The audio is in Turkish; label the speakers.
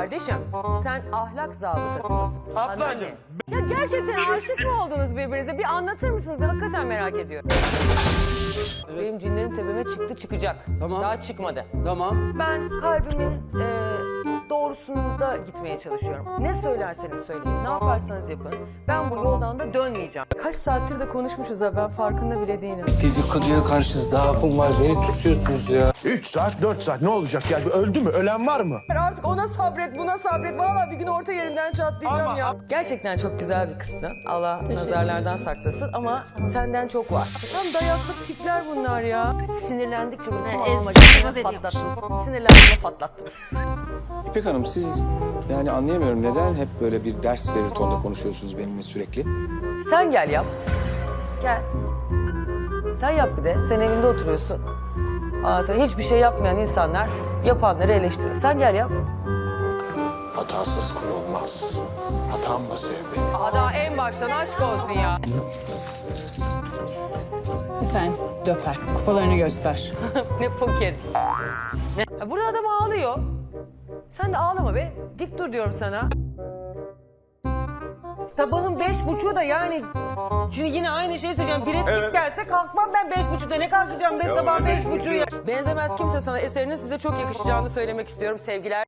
Speaker 1: Kardeşim sen ahlak zabıtası mısın?
Speaker 2: Ablacığım.
Speaker 1: Ya gerçekten aşık mı oldunuz birbirinize? Bir anlatır mısınız? Hakikaten merak ediyorum. Benim cinlerim tepeme çıktı çıkacak.
Speaker 2: Tamam.
Speaker 1: Daha çıkmadı.
Speaker 2: Tamam.
Speaker 1: Ben kalbimin doğrusunda gitmeye çalışıyorum. Ne söylerseniz söyleyin, ne yaparsanız yapın. Ben bu yoldan da dönmeyeceğim. Kaç saattir de konuşmuşuz ha, ben farkında bile değilim.
Speaker 3: Dedikoduya karşı zaafım var. Beni tutuyorsunuz ya.
Speaker 4: 3 saat, 4 saat ne olacak yani? Öldü mü? Ölen var mı?
Speaker 1: Artık ona sabret, buna sabret. Vallahi bir gün orta yerinden çatlayacağım ya. Gerçekten çok güzel bir kızsın. Allah nazarlardan saklasın ama senden çok var. Tam dayaklık tipler bunlar ya. Sinirlendikçe bunu kim almak için patlattım. Sinirlendiğimde patlattım.
Speaker 5: İpek Hanım siz yani anlayamıyorum neden hep böyle bir ders verir tonda konuşuyorsunuz benimle sürekli?
Speaker 1: Sen gel yap. Gel. Sen yap bir de. Sen evinde oturuyorsun. Ondan sonra hiçbir şey yapmayan insanlar yapanları eleştiriyor. Sen gel yap.
Speaker 4: Hatasız kul olmaz. Hatamla sev beni.
Speaker 1: Daha en baştan aşk olsun ya.
Speaker 6: Efendim, döper. Kupalarını göster.
Speaker 1: Ne poker. Ne? Ya burada adam ağlıyor. Sen de ağlama be. Dik dur diyorum sana. Sabahın 5.30'u da yani... Şimdi yine aynı şeyi söyleyeceğim. Biri gelse kalkmam ben 5.30'da. Ne kalkacağım ben sabah 5.30'u ya. Benzemez kimse sana. Eserinin size çok yakışacağını söylemek istiyorum sevgiler.